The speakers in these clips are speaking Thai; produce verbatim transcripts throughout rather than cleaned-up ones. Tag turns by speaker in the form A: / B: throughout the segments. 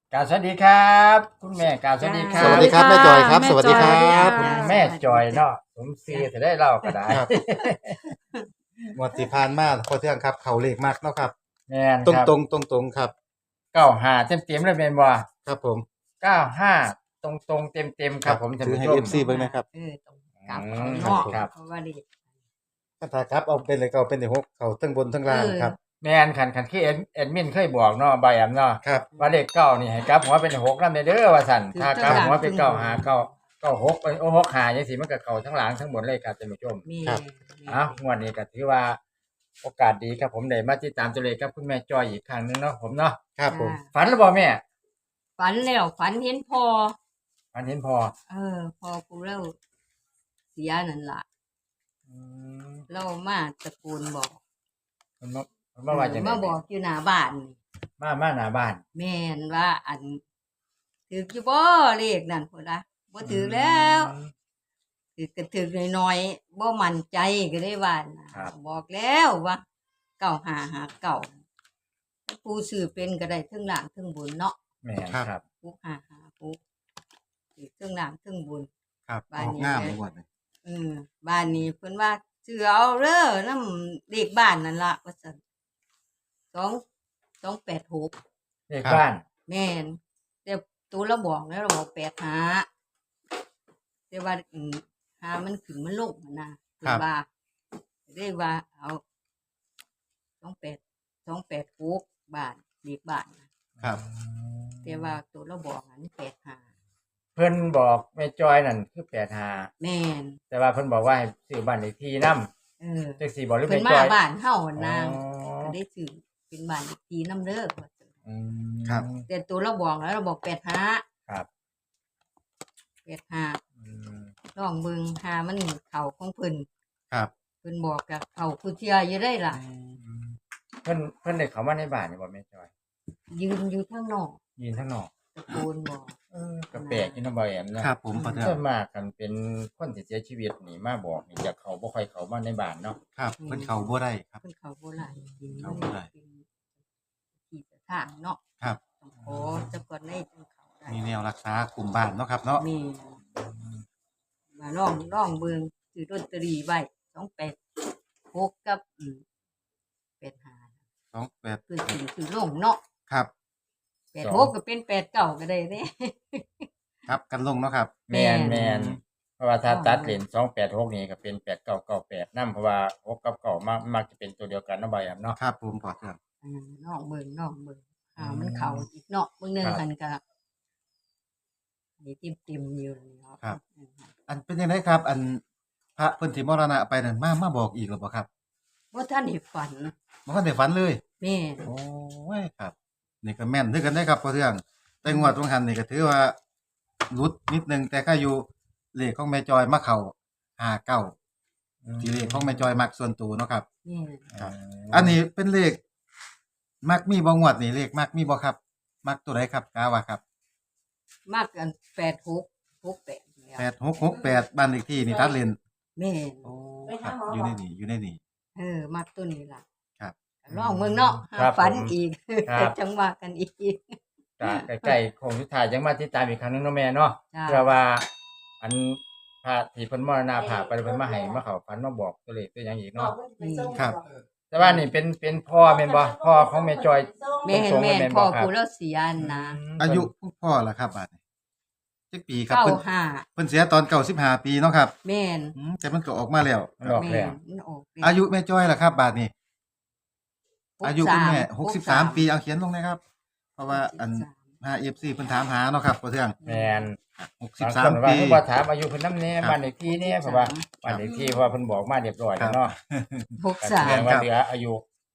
A: กราบสวัสดีครับคุณแม่กราบสวัสดีครั
B: สวัส
A: บ
B: ดีครับแม่จอยครับ
C: แม่
B: สวัสดีค
C: จ
B: รั
C: อย
B: บ
A: คุณ
C: ค่ะ
A: แม่จอยเนาะสมศรีจะได้เล่าก็ได้
B: ครับ งวดที่ผ่านมาพอเที่ยงครับ เขาเลขมากเนาะครับ
A: แม่น
B: ตรง
A: ครับ
B: ตรงตรงตรงๆครับ
A: เก้าห้าเต็มเต็มๆเลยแม่นบ่
B: ครับผม
A: เก้าห้าตรงตรงเต็มเต็มๆครับผมท่าน
B: ถือ
A: ผู้
B: ให้
A: ชม
B: เอฟซีเบิ่งนะครับ
C: เออตรงกลับ
A: อื
C: เขา
A: ม
C: เนาะ
A: ครับ
C: เพราะว่าเด็ก
B: ถ้าครับเอาเป็นเลยก็เอาเป็นเลขหกเขาทั้งบนทั้งล่างครับ
A: แม่นคันคันคือแอดแอดมินเคยบอกเนาะใบแอมเนาะ
B: ครับ
A: ว่าเลขเก้านี่ให้กลับหัวเป็นหกนำเด้อว่าซั่น
C: ถือ
A: ถ้ากลับหัวเป็นเก้าห้าเก้าเก้าหกโอ้หกห้าจังซี่มันก็เข้าทั้งหลังทั้งบนเลยครับท่านผู้ชม
C: มี
B: ครับ
A: อ้าวงวดนี้ก็ถือว่าโอกาสดีครับผมได้มาติดตามตัวเลขกับคุณแม่จอยอีกครั้งหนึงเนาะผมเนาะ
B: ครับผม
A: ฝันหรือเปล่าแม่
C: ฝันแล้วฝันเห็นพ่อ
A: ฝันเห็นพอ
C: เออพ่อกูเล่าเสียนั่นล่ะ
A: อืม
C: เล่ามาตะโกนบอก
A: มันมามันมาว่าจังได๋
C: มาบอกอยู่หน้าบ้านนี่
A: มามาหน้าบ้าน
C: แม่นว่าอันถือกี่บ่เลขนั่นพุ่นล่ะบ่ถือแล้วถือก็ถือน้อยๆบ่มั่นใจก็ได้ว่านะบอกแล้วว่าเก้าห้าห้าเก้าผู้ซื้อเป็นก็ได้เทั้งล่างเทั้งบนเนาะ
A: แม่นครับ
C: ปุ๊กหาหาปุ๊กถือเครื่องรางเครื่องบุญ
B: ครับ
C: บ้าน
B: ออก
C: นี้
B: งามเลยงวดนี้
C: เออบ้านนี้เพิ่นว่าเสือเอาเด้อน้ำเด็กบ้านนั่นล่ะว่าซั่นสองสองแปดหก
A: เลขบ้าน
C: แม่นแต่ตัวเราบอกแล้วเราบอกแปดหาแต่ว่าอืมหามันขึ้นมันลงอะนะเพิ่นว่าเรียกว่าเอาสองแปดสองแปดหกบ้านเด็กบ้านน่ะ
B: ครับ
C: แต่ว่าตัวเราบอกอันแปดหา
A: เพิ่นบอกแม่จอยนั่นคือแปดห้า
C: แม่น
A: แต่ว่าเพิ่นบอกว่าให้ซื้อบ้านเลขที่นำ
C: เออ
A: จังซี่บ่หรือ
C: เพิ่
A: แม่
C: น
A: จ
C: มา
A: อย
C: บ้านเฮาหั่นนะ
A: อ๋อ
C: ก็ได้ซื้อเป็นบ้านอีกทีน้ำเด้อว่าซั่น
A: อืม
B: ครับ
C: แต่ตัวเราบอกแล้วเราบอกแปดห้า
A: ครับ
C: แปดห้า
A: อืม
C: ลองเบิ่งหามันเข้าของเพิ่น
B: ครับ
C: เพิ่นบอกกับเข้าผู้เที่ยอยู่ได้ล่ะ
A: เพิ่นเพิ่นได้เข้ามาในบ้านนี่บ่แม่จอย
C: ยืนอยู่ข้างนอก
A: ยืนข้างนอก
C: ตะโกนบอก
A: เออก็แปลกอยู่เนาะบ่แอมเนาะ
B: ครับผมพอเที่ย
A: ส่ว
B: ง
A: นมากกันเป็นคนที่เสียชีวิตนี่มาบอกนี่จะเขาบ่ค่อยเข้ามาในบ้านเนาะ
B: ครับเพิ่นเขาบ่ได้ครับ
C: เพิ่นเข้าบ่หลายกิน
B: เข้าบ่ได้
C: เป็นที่สถานเนาะ
B: ครับ
C: ต้องขอจะก่อนในจังเข้าได้
B: มีแนวรักษากลุ่มบ้านเนาะครับเนาะ
C: มีมาลองลองเบิ่งซื้อลอตเตอรี่ไว้สองแปดหกกับอืมแปดห้า
B: สองแปด
C: คือซื้อซื้อลงเนาะ
B: ครับ
C: แปดหกก็เป็นแปดเก้าก็ได้เด้
B: ครับกันลงเนาะครับ
A: แม่น
C: แม่
A: แม่
C: น
A: นเพราะว่าถ้า
C: อ๋อ
A: ตัดเลนสองแปดหกนี่ก็เป็นแปดเก้าเก้าแปดนำเพราะว่าหกกับเก้ามักมักจะเป็นตัวเดียวกันเนาะบ่แอมเนาะ
B: ครับผมพอเที่ยง
C: อ่าน้องเบิ่งน้องเบิ่งอ่า
A: อืม
C: มันเข้าอีกเนาะเบิ่งหนึง
A: ครับ
C: หันก็นี่ติ่มๆอยู่นี่เนาะ
B: ครับ
C: อืม
B: อันเป็นยังไงครับ อันพระเพิ่นที่มรณะไปนั่นมามาบอกอีกหรือเปล่าครับ
C: บ่ทันได้ฝัน
B: บ่ทันได้ฝันเลย
C: แม่น
B: โอ้ยครับ นี่ก็แม่นคือกันได้ครับพอเทื่องแต่งวดตรงหันนี่ก็ถือว่าหลุดนิดนึงแต่ก็อยู่เลขของแม่จอยมาเข้าห้าเก้าที่เลขของแม่จอยมักส่วนตัวเนาะครับ
C: แม่น
B: ครับ อันนี้เป็นเลขมักมีบ่งวดนี่เลขมักมีบ่ครับ มักตัวใดครับกาว่าครับ
C: มากกันแปดหก หกแปดนี่ล่ะ
B: แปดหกหกแปดบ้านเลขที่นี่ตัดเลน
C: แม่น
B: โอ้ครับอยู่ในนี่อยู่ในนี่
C: เออมากตัวนี้ล่ะ
B: ครับ
C: ลองเบิ่งเนาะหา
A: ครับ
C: ฝัน
A: ผม
C: อีก
A: ครับ
C: จังว่ากันอีก
A: ก็ใกล้ๆโค้งสุดท้ายยังมาติดตามอีกครั้งหนึงเนาะแม่เนาะ
C: จ้า
A: เพื่อว่า อันพระที่เพิ่นมรณภาพไปเพิ่นมาให้มาเข้าฝันมาบอกตัวเลขตัวหยังอีกเนาะ
B: ครับ
A: แต่ว่านี่เป็นเป็นพ่อแม่นบ่พ่อของแม่จอย
C: แม่น
A: ตรงๆ
C: แม่น
A: แม่น
C: พ่อ
A: บ่ครับ
C: ผู้เราเสียนะ
B: อายุพ่อล่ะครับบาดนี้จักปีครับ
C: เก้า
B: เพิ่น
C: ห้า
B: เพิ่นเสียตอนเก้าสิบห้าปีเนาะครับ
C: แม่น
B: อืมแต่มันก็ออกมาแล้ว
A: มันออก
C: แม่
A: แล้ว
C: นมันออกแล้ว
B: อายุแม่จ้อยล่ะครับ บาดนี้
C: หก
B: อายุคุณแม่
C: สาม
B: หกสิบสามปีเอาเขียนลงนะครับ เพราะว่าอัน
C: หกสิบสาม
B: หา เอฟ ซี เพิ่นถามหาเนาะครับพ่อเทือง
A: แม่น
B: หกสิบบ
A: าง
B: สา
A: ค
B: ม
A: นว่า
B: ปี
A: เพิ่นบ่ถามอายุเพิ่นนำแน่
B: ครับ
A: บ้านเลขที่เนี่ยเพราะว่าบ้านเลขที่เพราะว่าเพิ่นบอกมาเรียบร้อยแล้วเนาะ
C: หก
A: ก็
C: สา
A: แส
C: ม
A: ดงว่าเหลืออายุ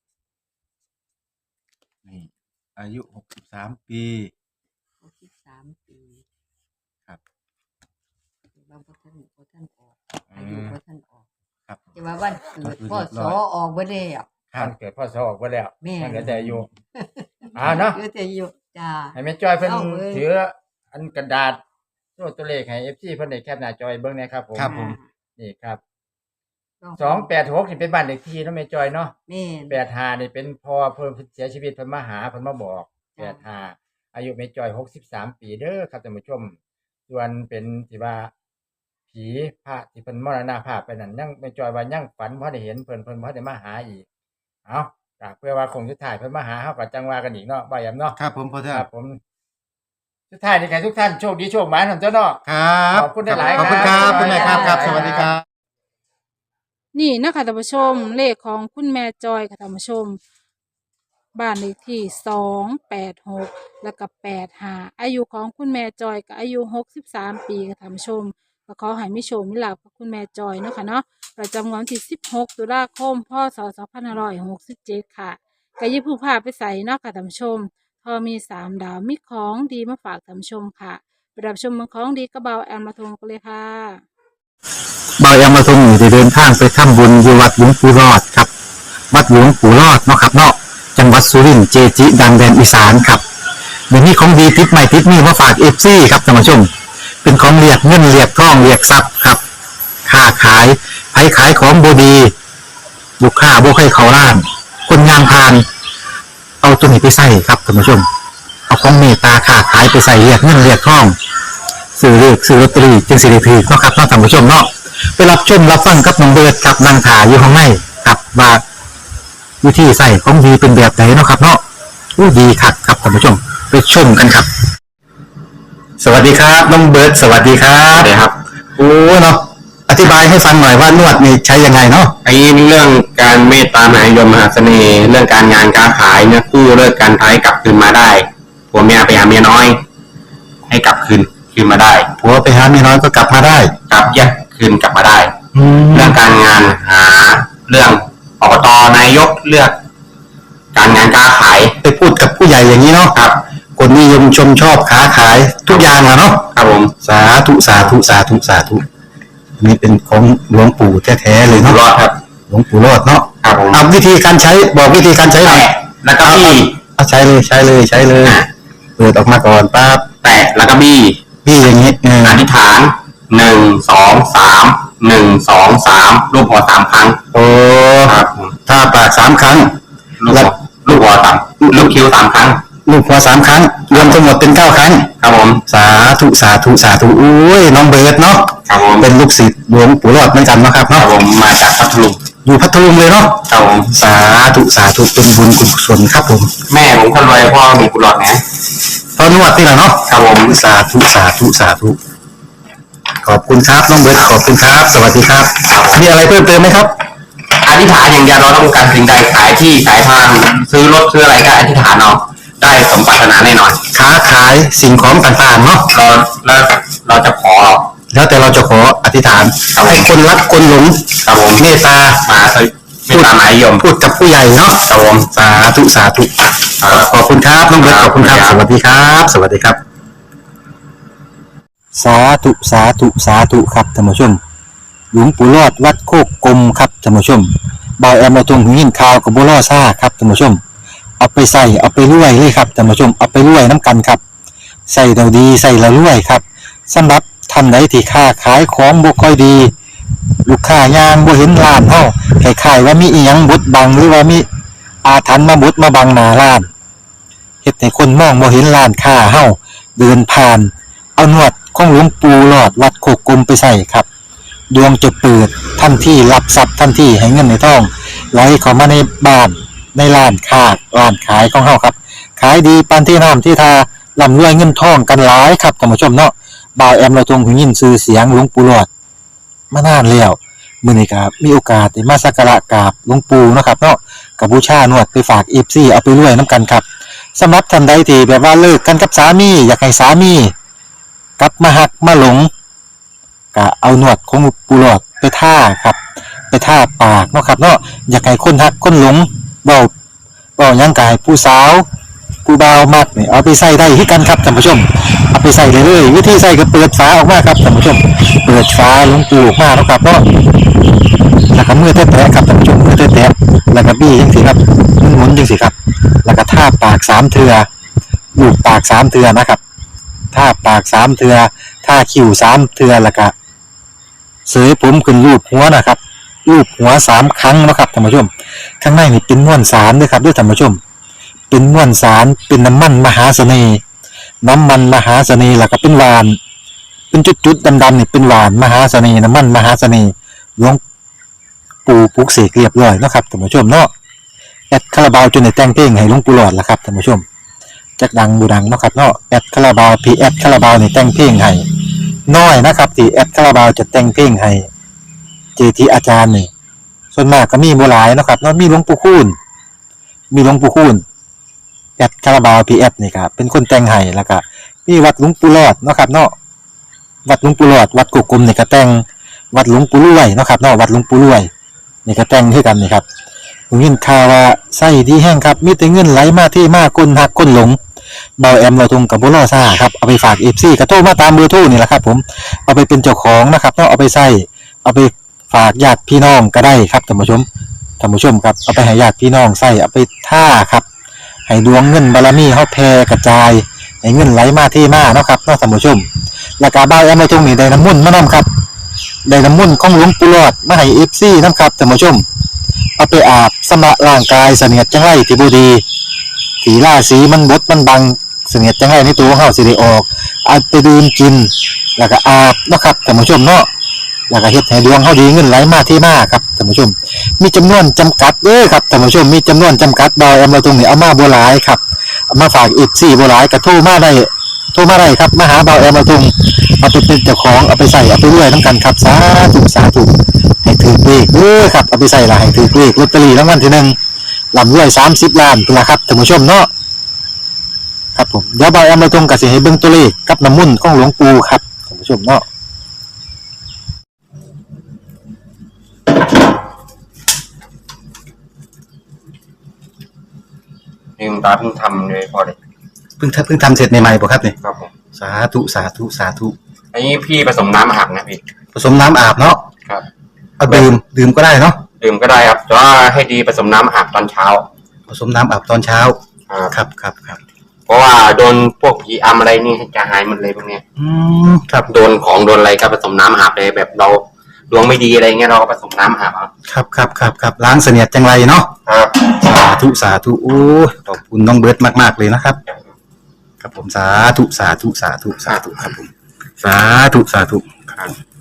B: นี่อายุหกสิบสามปี
C: หกสิบสามปี
B: ครับ
C: แต่ว่าบ่ทันบ่ทันออก
A: อื
C: อายุ
A: ม
C: บ่ทันออก
B: ครับ
C: แต่ว่าวันเกิด
B: ก็คือ
C: พ่อ
B: เรียบ
C: ส
B: ร้
C: อ
B: อย
C: ออกบ่แล้ว
B: ครั
A: มั
B: บ
A: นเกิดพ่อสอออกไปแล้ว
C: แม่
A: มันเหลือแต่อายุอ่าเนาะ
C: เหลือแต่อายุจ้า
A: ให้แม่จ้อยเพิ่น
C: เอาเว้ย
A: ถืออันกระดาษตัวตัวเลขให้ เอฟ ซี เพิ่นได้แคปหน้าจอยเบิ่งแหนะครับผม
B: ครับผม
A: นี่ครับ
C: ลอง
A: สองแปดหกนี่เป็นบ้านเลขที่เนาะแม่จ้อยเนาะ
C: แม่น
A: แปดห้านี่เป็นพ่อเพิ่นเสียชีวิตเพิ่นมาหาเพิ่นมาบอก
C: จ้ะ
A: แปดห้าอายุแม่จอยหกสิบสามปีเด้อครับท่านผู้ชมส่วนเป็นที่ว่าผีพระที่เพิ่นมรณภาพไปนั่นยังแม่จอยว่ายังฝันบ่ได้เห็นเพิ่นเพิ่นบ่ได้มาหาอีกเอ้าก็เพื่อว่าคงสุดท้ายเพิ่นมาหาเฮาก็จังว่ากันอีกเนาะบ่าหยังเนาะ
B: ครับผมพอเทื่อ
A: ครับผมสุดท้ายนี่ให้ทุกท่านโชคดีโชคหมานท่านเจ้าเนาะ
B: ครับ
A: ขอบคุณหลายๆ
B: ขอบคุณค
A: ครั
B: รับบ คุณแม่ครับครับ สวัสดีครับ
D: นี่นะคะท่านผู้ชมเลขของคุณแม่จอยค่ะท่านผู้ชม บ้านเลขที่สองแปดหกแล้วก็แปดห้าอายุของคุณแม่จอยก็อายุหกสิบสามปีค่ะท่านผู้ชมก็ขอให้มิโชคมิลาภกับคุณแม่จอยเนาะค่ะเนาะประจำวันที่สิบหกตุลาคมพศสองพันห้าร้อยหกสิบเจ็ดค่ะก็อยิบผู้พาไปใส่เนาะค่ะท่านผู้ชมพอมีสามดาวมีของดีมาฝากท่านผู้ชมค่ะไปรับชมเมืองของดีกระเบาแอมมาทงกันเลยค่ะ
E: บายามาทรงอยู่ได้เดินทางไปทำบุญที่วัดหลวงปู่รอดครับ วัดหลวงปู่รอดเนาะครับเนาะจังหวัดสุรินทร์เจจิ ดังแดนอีสานครับเดี๋ยวนี้ของดีติดใหม่ติดนี่มาฝากเอฟซีครับท่านผู้ชม เป็นของเรียกเงินเรียกทองเรียกทรัพย์ครับค้าขายไผขายของบดีลูกค้าบ่ให้เขาล้าน คนงานพาน เอาตัวนี้ไปใส่ครับท่านผู้ชม เอาของเมตตาค้าขายไปใส่เรียกเงินเรียกทองซื้อเลขซื้อลอตเตอรี่จึงสิริพีเนาะครับเนาะท่านผู้ชมเนาะไปรับชมรับฟังกับน้องเบิร์ดกับนางถาอยู่ข้างในกับว่าวิธีใส่ของดีเป็นแบบไหนเนาะครับเนาะอู้ดีคักครับท่านผู้ชมไปชมกันครับ สวัสดีครับน้องเบิร์ดสวัสดีครับสวัสดีครับโอ้เนาะอธิบายให้ฟังหน่อยว่านวดนี่ใช้ยังไงเนาะ
F: ไอ้เรื่องการเมตตามหานิยมมหาเสน่ห์เรื่องการงานการขายเนี่ยกู้เลิกการท้ายกลับคืนมาได้ผัวเมียไปหาเมียน้อย ให้กลับคืนคืนมาได้
E: ผัวไปหาเมียน้อยก็กลับมาได้
F: กลับแยกคืนกลับมาได้
E: แล้
F: เรื่
E: ว
F: องการงานหาเรื่องอบตนายกเลือก การงานการขาย
E: ไปพูดกับผู้ใหญ่อย่างนี้เนาะ
F: ครับ
E: คนนิยมชมชอบค้าขายทุกอย่างอะเนาะ
F: ครับผม
E: สาธุสาธุสาธุสาธุนี่เป็นของหลวงปู่แท้ๆเลย
F: อยู่
E: เนาะ
F: รอดครับ
E: หลวงปู่รอดเนาะ
F: ครับผม
E: เอาวิธีการใช้บอกวิธีการใช้หน่อย
F: แตะแล้วก็บี้
E: เอาใช้เลยใช้เลยใช้เลยเปิดออกมาก่อนปั๊บ
F: แตะแล้วก็บี้
E: พี่อย่างนี้เออ
F: อธิษฐานหนึ่งสองสามหนึ่งสองสามรูปหัวสามครั้ง
E: โอ้
F: ครับผม
E: ถ้าปากสามครั้ง
F: ลูกหัวลูกหัวสามลูกคิ้วสามครั้ง
E: ลูกหัวสามครั้ง รวมทั้งหมดเป็นเก้าครั้ง
F: ครับผม
E: สาธุสาธุสาธุอุ้ยน้องเบิร์ดเนาะ
F: ครับผม
E: เป็นลูกศิษย์หลวงปู่รอดเหมือนกันเนาะครับ
F: ครับ
E: เนาะ
F: ผมมาจากพัทลุง
E: อยู่พัทลุงเลยเนาะ
F: ครับผม
E: สาธุสาธุเป็นบุญกุศลครับผม
F: แม่ผมคนรวยพ่อมีกุหลาบนะ
E: ตอนนวดนี่แหละเนาะ
F: ครับผม
E: สาธุสาธุสาธุขอบคุณครับน้องเบิร์ดขอบคุณครับ สวัสดีครับมีอะไรเพิ่มเติมไหมครับ
F: อธิษฐานอย่างเดียวเราต้องการสิ่งใดขายที่ขายทางซื้อรถซื้ออะไรก็อธิษฐานเอาได้สมปรารถนาแน่นอน
E: ค้าขายสิ่งของต่างๆเนาะ
F: เราแล้วเราจะขอ
E: แล้วแต่เราจะขออธิษฐานให้คนรักคนหลง
F: ครับผม
E: เมตตา
F: มาสวิไม่ตามหมายยม
E: พูดกับผู้ใหญ่เนาะ
F: ครับผม
E: สาธุสาธุขอบคุณครับน้องเบิร์ตขอบคุณครับ สวัสดีครับ สวัสดีครับ สาธุสาธุสาธุครับท่านผู้ชม หลวงปู่รอดวัดโคกกลมครับท่านผู้ชมบอยแอมมาตรงหินข่าวกับบัวล่อซ่าครับท่านผู้ชม เอาไปใส่เอาไปรวยเลยครับท่านผู้ชมเอาไปรวยน้ำกันครับใส่เราดีใส่เรารวยครับสำหรับท่านใดที่ค้าขายของบ่ค่อยดี ลูกค้ายางบ่เห็นร้านเฮาคล้ายๆว่ามีอีหยังบดบังหรือว่ามีอาถรรพ์มาบดมาบังหน้าร้านเฮ็ดให้คนมองบ่เห็นร้านค้าเฮาเดินผ่าน เอาหนวดของหลวงปู่หลอดวัดโคกกลมไปใส่ครับดวงจะเปิดทันทีรับทรัพย์ทันทีให้เงินในท้องไหลเข้ามาในบ้านในร้านค้าร้านขายของเฮาครับขายดีปานที่น้ำที่ทาร่ำรวยเงินทองกันหลายครับท่านผู้ชมเนาะบ่าวแอมเราทรงหูยินชื่อเสียงหลวงปู่หลอดมานานแล้วมื้อนี้ก็มีโอกาสได้มาสักการะกราบหลวงปู่เนาะครับเนาะก็บูชานวดไปฝาก เอฟ ซี เอาไปรวยนํกันครับสำหรับท่านใดที่แบบว่าเลิกกันกับสามีอยากให้สามีกลับมาหักมาหลงก็เอาหนวดของปูหลอดไปท่าครับไปท่าปากเนาะครับเนาะอยากให้คนหักคนหลงเว้าเว้าหยังกายผู้สาวผู้บ่าวมักนี่เอาไปใส่ได้คือกันครับท่านผู้ชมเอาไปใส่เลยเลยวิธีใส่ก็เปิดฝาออกมาครับท่านผู้ชมเปิดฝาหลวงปูออกมาเนาะครับเนาะแล้วก็มือแตะๆครับท่านผู้ชมมือแตะๆแล้วก็บี้จังซี่ครับหมุนๆจังซี่ครับแล้วก็ท่าปากสามเทื่อลูบปากสามเทื่อนะครับท่าปากสามเทื่อท่าคิ้วสามเทื่อแล้วก็เสยผมขึ้นรูปหัวนะครับรูปหัวสามครั้งนะครับท่านผู้ชมข้างในนี่เป็นม้วนสารด้วยครับด้วยท่านผู้ชมเป็นม้วนสารเป็นน้ำมันมหาเสน่ห์น้ำมันมหาเสน่ห์แล้วก็เป็นหวาน เป็นจุดๆดำๆนี่เป็นหวานมหาเสน่ห์น้ำมันมหาเสน่ห์หลวงปู่ปลุกเสกเรียบร้อยเนาะครับท่านผู้ชมเนาะแอดคาราบาวจนได้แต่งเพลงให้หลวงปู่หลอดละครับท่านผู้ชมจักดังบูดังเนาะครับเนาะแอดคาราบาวพีแอดคาราบาวนี่แต่งเพลงให้น้อยนะครับที่แอดคาราบาวจะแต่งเพลงให้เจทีอาจารย์นี่ส่วนมากก็มีบ่หลายเนาะครับเนาะมีหลวงปู่คูณมีหลวงปู่คูณแอดคาราบาวพีแอดนี่ครับเป็นคนแต่งให้แล้วก็มีวัดหลวงปู่หลอดเนาะครับเนาะวัดหลวงปู่หลอดวัดกุกกลมนี่ก็แต่งวัดหลวงปู่รวยเนาะครับเนาะวัดหลวงปู่รวยนี่ก็แต่งคือกันนี่ครับผมยินข่าวว่าไส้ดีแห้งครับมีแต่เงินไหลมาที่มาคนหักคนหลงเบาแอมเราทงกับบุรอซ่าครับเอาไปฝากเอฟซีกระโทรมาตามเบอร์โทรนี่แหละครับผมเอาไปเป็นเจ้าของนะครับเนาะเอาไปใส่เอาไปฝากญาติพี่น้องก็ได้ครับท่านผู้ชมท่านผู้ชมครับเอาไปให้ญาติพี่น้องใส่เอาไปท่าครับให้ดวงเงินบารมีเฮาแผ่กระจายให้เงินไหลมาที่มาเนาะครับเนาะท่านผู้ชมแล้วก็เบาแอมเราทงนี่ได้น้ำมุ่นต์มานํครับได้น้ำมุ่นต์ของหลวงปู่หลอดมาให้เอฟซีนํครับท่านผู้ชมเอาไปอาบสำระร่างกายเสนียดจังไรที่บ่ดีสีราสีมันบดมันบังเสนียดจังไรในตัวของเฮาสิได้ออกเอาไปดื่มกินแล้วก็อาบเนาะครับท่านผู้ชมเนาะแล้วก็เฮ็ดให้ดวงเฮาดีเงินไหลมาที่มาครับท่านผู้ชมมีจำนวนจำกัดเด้อครับท่านผู้ชมมีจำนวนจำกัดดอยเอามาตรงนี้เอามาบ่หลายครับเอามาฝาก เอฟ ซี บ่หลายก็โทรมาได้โทรมาได้ครับมาหาเบาแอมมาตรงเอาไปเป็นเจ้าของเอาไปใส่เอาไปรวยนํกันครับสาธุสาธุให้ถือเลขเด้อครับเอาไปใส่ละให้ถือเลขลอตเตอรี่รางวัลที่หนึ่งลำรวยสามสิบล้านพุ่นล่ะครับท่านผู้ชมเนาะครับผมเดี๋ยวบอยเอามาตรงกับสิให้เบิ่งตัวเลขกับน้ำมุ่นต์ของหลวงปู่ครับท่านผู้ชมเนาะ
F: ลืมตาเพิ่งทำเลยพอเลย
E: เพิ่งเพิ่งทำเสร็จใหม่ๆบ่ครับนี่
F: ครับผม
E: สาธุสาธุสาธุ
F: อันนี้พี่ผสมน้ำอาบนะพี่
E: ผสมน้ำอาบเนาะ
F: ครับ
E: เอาดื่มดื่มก็ได้เนาะ
F: ดื่มก็ได้ครับแต่ว่าให้ดีผสมน้ำอาบตอนเช้า
E: ผสมน้ำอาบตอนเช้า
F: ครับ
E: ครับครับครับ
F: เพราะว่าโดนพวกผีอำอะไรนี่จะหายหมดเลยพวกเนี้ย
E: อืมครับ
F: โดนของโดนอะไรก็ผสมน้ำอาบเลยแบบเราดวงไม่ดีอะไรเงี้ยเราก็ผสมน้ำอาบเอา
E: ครับครับครับครับล้างเสนียดจังไรเนาะ
F: ครับ
E: สาธุสาธุโอ้ยขอบคุณน้องเบิร์ตมากๆเลยนะครับครับผมสาธุสาธุสาธุสาธุครับผมสาธุสาธุ
F: ครับ